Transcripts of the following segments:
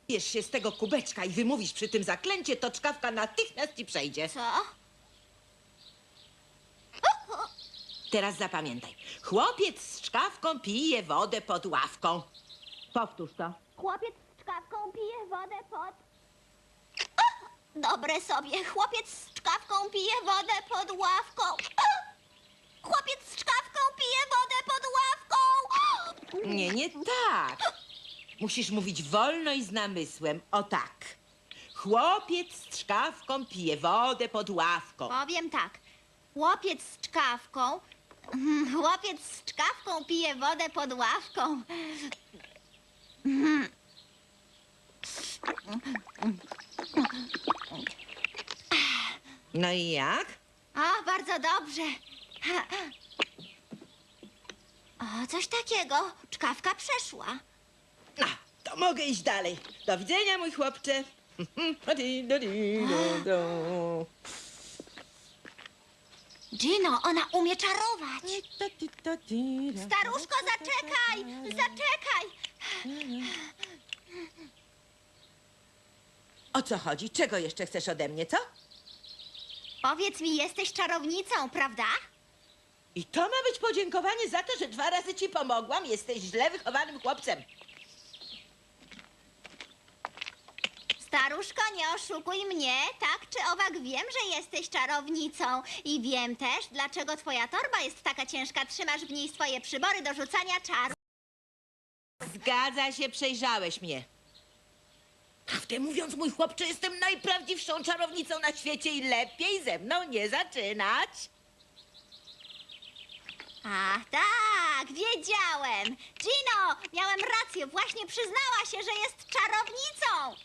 Bierz się z tego kubeczka i wymówisz przy tym zaklęcie, to czkawka natychmiast ci przejdzie. Co? Teraz zapamiętaj. Chłopiec z czkawką pije wodę pod ławką. Powtórz to. Chłopiec z czkawką pije wodę pod... Dobre sobie. Chłopiec z czkawką pije wodę pod ławką. Chłopiec z czkawką pije wodę pod ławką. Nie, nie tak. Musisz mówić wolno i z namysłem. O tak. Chłopiec z czkawką pije wodę pod ławką. Powiem tak. Chłopiec z czkawką... Chłopiec z czkawką pije wodę pod ławką. No i jak? O, bardzo dobrze. O, coś takiego. Czkawka przeszła. A, to mogę iść dalej. Do widzenia, mój chłopcze. Gino, ona umie czarować. Staruszko, zaczekaj! Zaczekaj! O co chodzi? Czego jeszcze chcesz ode mnie, co? Powiedz mi, jesteś czarownicą, prawda? I to ma być podziękowanie za to, że 2 razy ci pomogłam? Jesteś źle wychowanym chłopcem. Staruszko, nie oszukuj mnie. Tak czy owak wiem, że jesteś czarownicą. I wiem też, dlaczego twoja torba jest taka ciężka. Trzymasz w niej swoje przybory do rzucania czaru. Zgadza się, przejrzałeś mnie. Prawdę mówiąc, mój chłopcze, jestem najprawdziwszą czarownicą na świecie i lepiej ze mną nie zaczynać. Ach, tak, wiedziałem. Gino, miałem rację. Właśnie przyznała się, że jest czarownicą.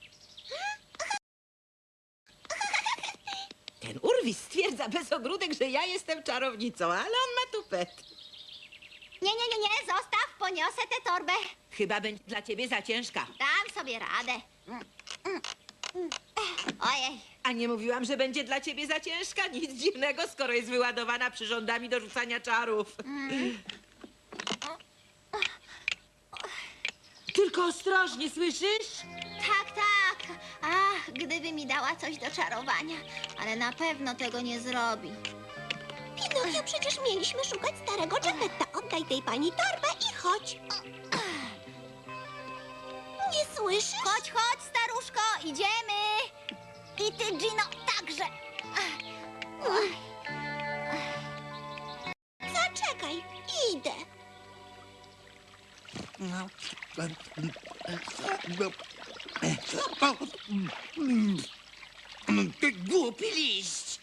Ten urwis stwierdza bez ogródek, że ja jestem czarownicą, ale on ma tupet. Nie, zostaw, poniosę tę torbę. Chyba będzie dla ciebie za ciężka. Dam sobie radę. Ojej. A nie mówiłam, że będzie dla ciebie za ciężka? Nic dziwnego, skoro jest wyładowana przyrządami do rzucania czarów. Tylko ostrożnie, słyszysz? Tak, tak. Ach, gdyby mi dała coś do czarowania. Ale na pewno tego nie zrobi. Pinokio, przecież mieliśmy szukać starego Geppetta. Oddaj tej pani torbę i chodź. Nie słyszysz? Chodź, chodź, staruszko, idziemy. I ty, Gino, także. Zaczekaj, idę. Ty głupi liść!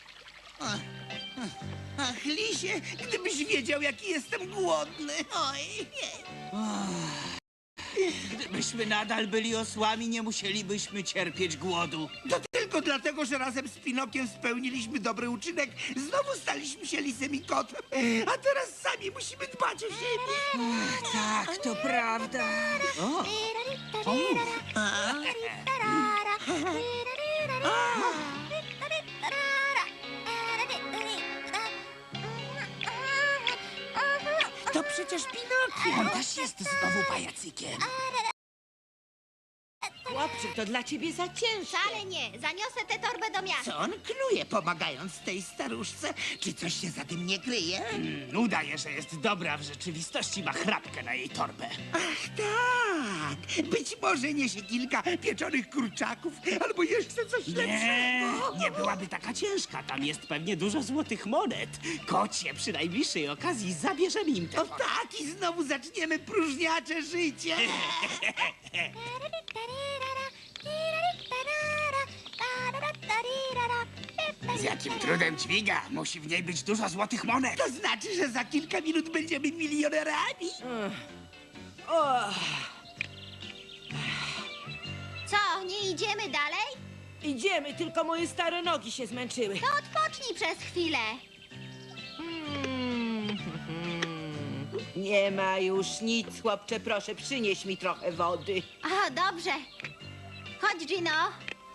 Ach, lisie, gdybyś wiedział, jaki jestem głodny. Oj, Gdybyśmy nadal byli osłami, nie musielibyśmy cierpieć głodu. to tylko dlatego, że razem z Pinokiem spełniliśmy dobry uczynek. Znowu staliśmy się lisem i kotem. A teraz sami musimy dbać o siebie. Tak, to prawda. O, To przecież Pinokio. on też jest znowu pajacykiem. Chłopcze, to dla ciebie za ciężkie. Wcale nie. Zaniosę tę torbę do miasta. Co on knuje, pomagając tej staruszce? Czy coś się za tym nie kryje? Udaje, że jest dobra, w rzeczywistości ma chrapkę na jej torbę. Ach, tak. Być może niesie kilka pieczonych kurczaków, albo jeszcze coś Nie, lepszego. nie byłaby taka ciężka. Tam jest pewnie dużo złotych monet. Kocie, przy najbliższej okazji zabierzemy im te O tak, i znowu zaczniemy próżniacze życie. Z jakim trudem dźwiga. Musi w niej być dużo złotych monet. To znaczy, że za kilka minut będziemy milionerami. Co, nie idziemy dalej? Idziemy, tylko moje stare nogi się zmęczyły. To odpocznij przez chwilę. Nie ma już nic, chłopcze, proszę, przynieś mi trochę wody. O, dobrze. Chodź, Gino.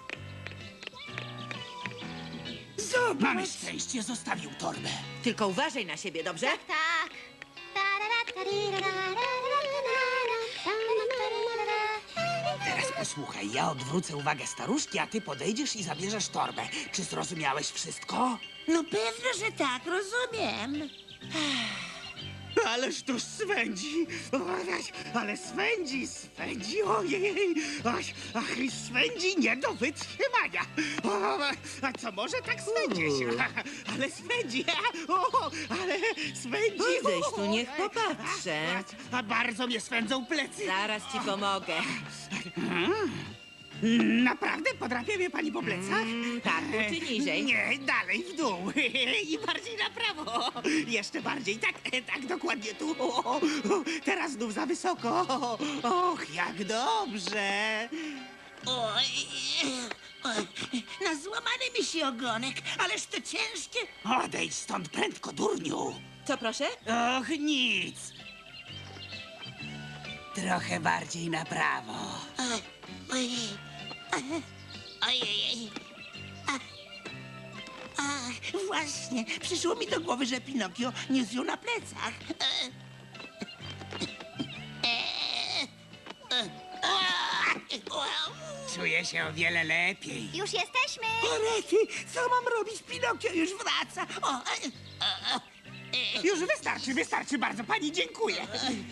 Zobacz. Mamy szczęście, zostawił torbę. Tylko uważaj na siebie, dobrze? Tak, tak. Teraz Słuchaj, ja odwrócę uwagę staruszki, a ty podejdziesz i zabierzesz torbę. Czy zrozumiałeś wszystko? No pewno, że tak, rozumiem. Ależ to swędzi! Ale swędzi, ojej! Ach, swędzi nie do wytrzymania! A co może tak swędzić? Ale swędzi! Ale swędzi! Podejdź tu, niech popatrzę. A bardzo mnie swędzą plecy! Zaraz ci pomogę. Naprawdę podrapie mnie pani po plecach? Tak, czy niżej? Nie, dalej w dół. I bardziej na prawo. Jeszcze bardziej. Tak, dokładnie tu. Teraz znów za wysoko. Och, jak dobrze. Oj, na złamany mi się ogonek, ależ to ciężkie. Odejdź stąd prędko, durniu. Co proszę? Och, nic. Trochę bardziej na prawo. Ojej. Ojej. Ach, właśnie, przyszło mi do głowy, że Pinokio niósł ją na plecach. Czuję się o wiele lepiej. Już jesteśmy! O rety, co mam robić? Pinokio już wraca. Już wystarczy bardzo. Pani dziękuję.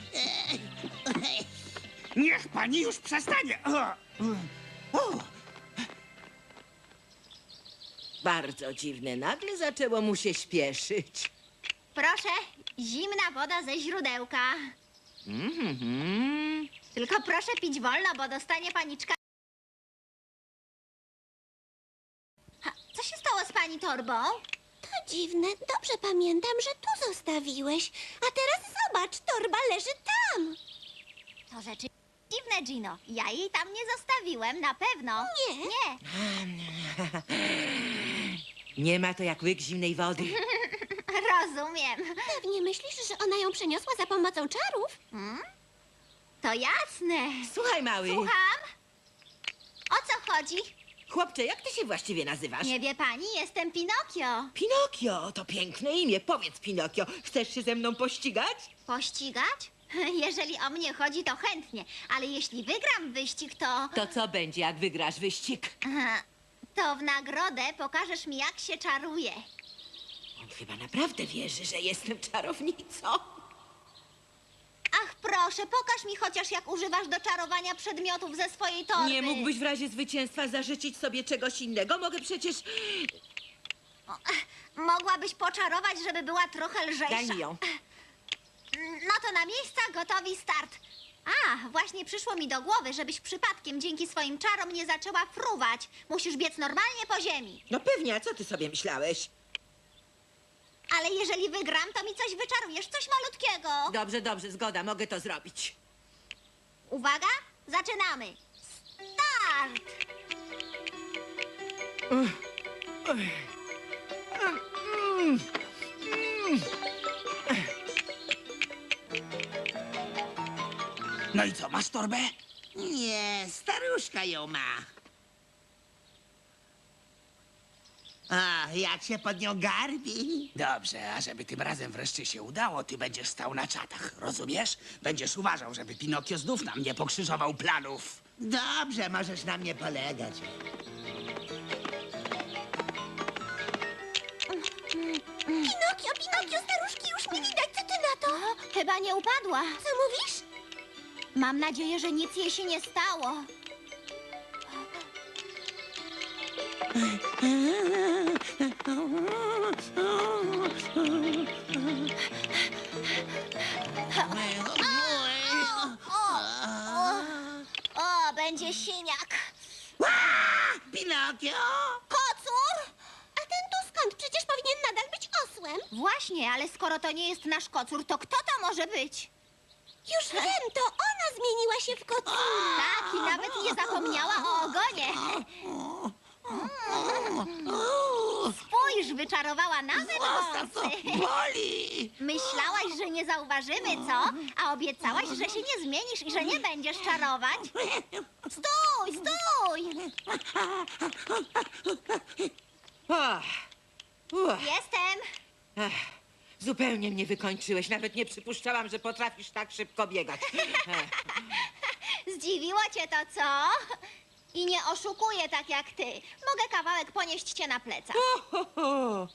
Niech pani już przestanie. Bardzo dziwne. Nagle zaczęło mu się śpieszyć. Proszę, zimna woda ze źródełka. Tylko proszę pić wolno, bo dostanie paniczka. Co się stało z pani torbą? To dziwne, dobrze pamiętam, że tu zostawiłeś. A teraz zobacz, torba leży tam. To rzeczy dziwne, Gino. Ja jej tam nie zostawiłem, na pewno. Nie. Nie. Nie ma to jak łyk zimnej wody. Rozumiem. Pewnie myślisz, że ona ją przeniosła za pomocą czarów? To jasne. Słuchaj, mały. Słucham? O co chodzi? Chłopcze, jak ty się właściwie nazywasz? Nie wie pani, jestem Pinokio. Pinokio, to piękne imię. Powiedz, Pinokio, chcesz się ze mną pościgać? Pościgać? Jeżeli o mnie chodzi, to chętnie. Ale jeśli wygram wyścig, to... To co będzie, jak wygrasz wyścig? To w nagrodę pokażesz mi, jak się czaruje. On chyba naprawdę wierzy, że jestem czarownicą. Ach, proszę, pokaż mi chociaż, jak używasz do czarowania przedmiotów ze swojej torby. Nie mógłbyś w razie zwycięstwa zażyczyć sobie czegoś innego? Mogę przecież... Mogłabyś poczarować, żeby była trochę lżejsza. Daj mi ją. No to na miejsca, gotowi, start. A, właśnie przyszło mi do głowy, żebyś przypadkiem dzięki swoim czarom nie zaczęła fruwać. Musisz biec normalnie po ziemi. No pewnie, a co ty sobie myślałeś? Ale jeżeli wygram, to mi coś wyczarujesz, coś malutkiego. Dobrze, dobrze, zgoda, mogę to zrobić. Uwaga, zaczynamy. Start! No i co, masz torbę? Nie, staruszka ją ma. A, jak się pod nią garbi. Dobrze, a żeby tym razem wreszcie się udało, ty będziesz stał na czatach, rozumiesz? Będziesz uważał, żeby Pinokio znów nam nie pokrzyżował planów. Dobrze, możesz na mnie polegać. Pinokio, staruszki już mi widać, co ty na to? Chyba nie upadła. Co mówisz? Mam nadzieję, że nic jej się nie stało. O, będzie siniak. Pinokio! Kocur? A ten tu skąd? Przecież powinien nadal być osłem. Właśnie, ale skoro to nie jest nasz kocur, to kto to może być? Już wiem, to ona zmieniła się w kocura. Tak, i nawet nie zapomniała o ogonie. Spójrz, wyczarowała nawet wąsy. Boli! Myślałaś, że nie zauważymy, co? A obiecałaś, że się nie zmienisz i że nie będziesz czarować? Stój, stój! Jestem. Zupełnie mnie wykończyłeś. Nawet nie przypuszczałam, że potrafisz tak szybko biegać. Zdziwiło cię to, co? I nie oszukuję tak jak ty. Mogę kawałek ponieść cię na plecach. Ho, ho.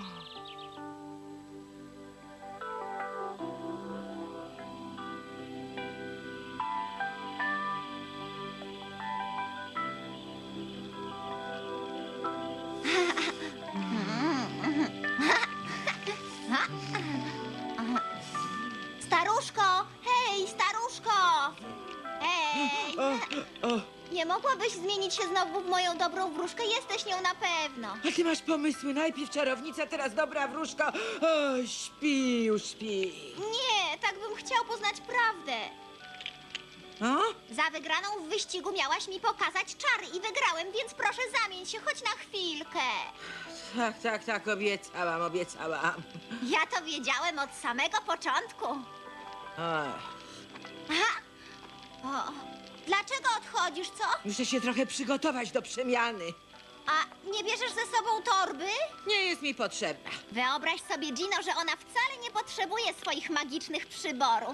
Staruszko! Hej, staruszko! Hej! Nie mogłabyś zmienić się znowu w moją dobrą wróżkę? Jesteś nią na pewno. A ty masz pomysły. Najpierw czarownica, teraz dobra wróżka. O, śpi, już śpi. Nie, tak bym chciał poznać prawdę. O? Za wygraną w wyścigu miałaś mi pokazać czary i wygrałem, więc proszę zamień się choć na chwilkę. Tak, obiecałam. Ja to wiedziałem od samego początku. Ach, Aha. O, dlaczego odchodzisz, co? muszę się trochę przygotować do przemiany. A nie bierzesz ze sobą torby? Nie jest mi potrzebna. Wyobraź sobie, Gino, że ona wcale nie potrzebuje swoich magicznych przyborów.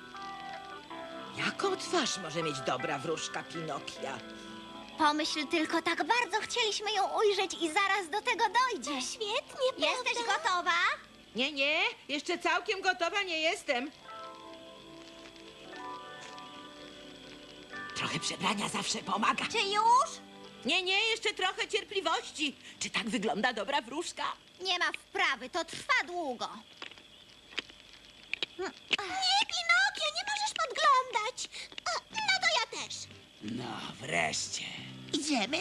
Jaką twarz może mieć dobra wróżka Pinokia? Pomyśl tylko, tak bardzo chcieliśmy ją ujrzeć i zaraz do tego dojdzie. Świetnie, Jesteś prawda? gotowa? Nie, jeszcze całkiem gotowa nie jestem. Trochę przebrania zawsze pomaga. Czy już? Nie, jeszcze trochę cierpliwości. Czy tak wygląda dobra wróżka? Nie ma wprawy, to trwa długo. Nie, Pinokio, nie możesz podglądać. No to ja też. No, wreszcie. Idziemy?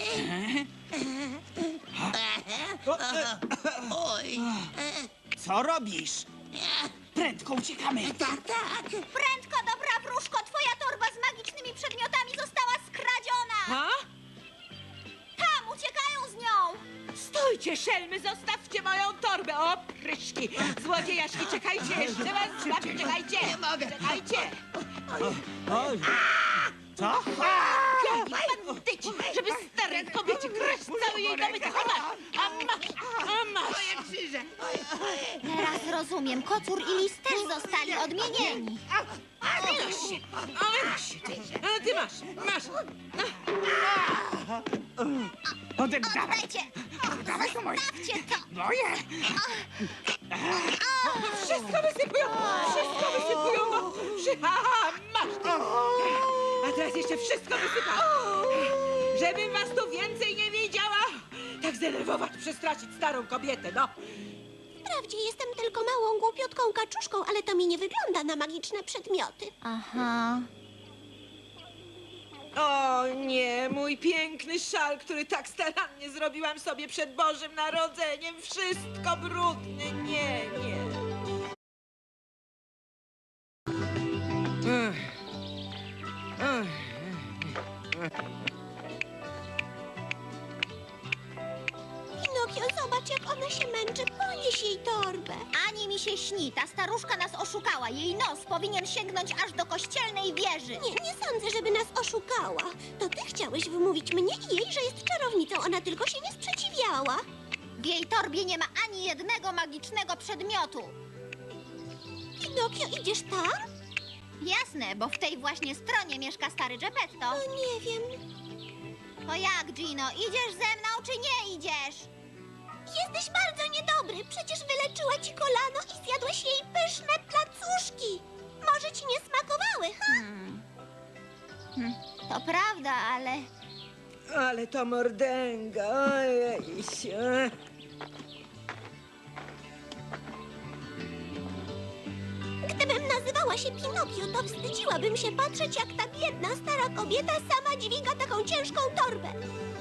Oj. Co robisz? Prędko uciekamy. Tak. Prędko, dobra wróżko, twoja torba z magicznymi przedmiotami została skradziona. Ha? Tam, uciekają z nią. Stójcie, szelmy, zostawcie moją torbę. O, pryszki. Złodziejaszki, czekajcie, jeszcze was złapię, czekajcie. Nie mogę. Czekajcie. Oj. Co? Piękni bandyci, żeby starej kobiecie kraść cały jej dobytek. A masz. Moje krzyże. Teraz rozumiem, kocur i lis też zostali odmienieni. Wynoś się, ty. A ty masz. Oddawaj. Dajcie, Dawaj to moje. dawcie to. Moje. Wszystko wysypują. No. Masz ty. A teraz jeszcze wszystko wysypam. Żebym was tu więcej nie widziała. Tak zdenerwować, przestraszyć starą kobietę, no. Wprawdzie jestem tylko małą, głupiutką kaczuszką, ale to mi nie wygląda na magiczne przedmioty. Aha. O nie, mój piękny szal, który tak starannie zrobiłam sobie przed Bożym Narodzeniem. Wszystko brudne, nie. Pinokio, zobacz, jak ona się męczy. Ponieś jej torbę. Ani mi się śni, ta staruszka nas oszukała. Jej nos powinien sięgnąć aż do kościelnej wieży. Nie sądzę, żeby nas oszukała. To ty chciałeś wymówić mnie i jej, że jest czarownicą. Ona tylko się nie sprzeciwiała. W jej torbie nie ma ani jednego magicznego przedmiotu. Pinokio, idziesz tam? Jasne, bo w tej właśnie stronie mieszka stary Geppetto. No nie wiem. To jak, Gino, idziesz ze mną czy nie idziesz? Jesteś bardzo niedobry. Przecież wyleczyła ci kolano i zjadłeś jej pyszne placuszki. Może ci nie smakowały, ha? To prawda, ale... Ale to mordęga, ojej. Gdybym nazywała się Pinokio, to wstydziłabym się patrzeć, jak ta biedna, stara kobieta sama dźwiga taką ciężką torbę.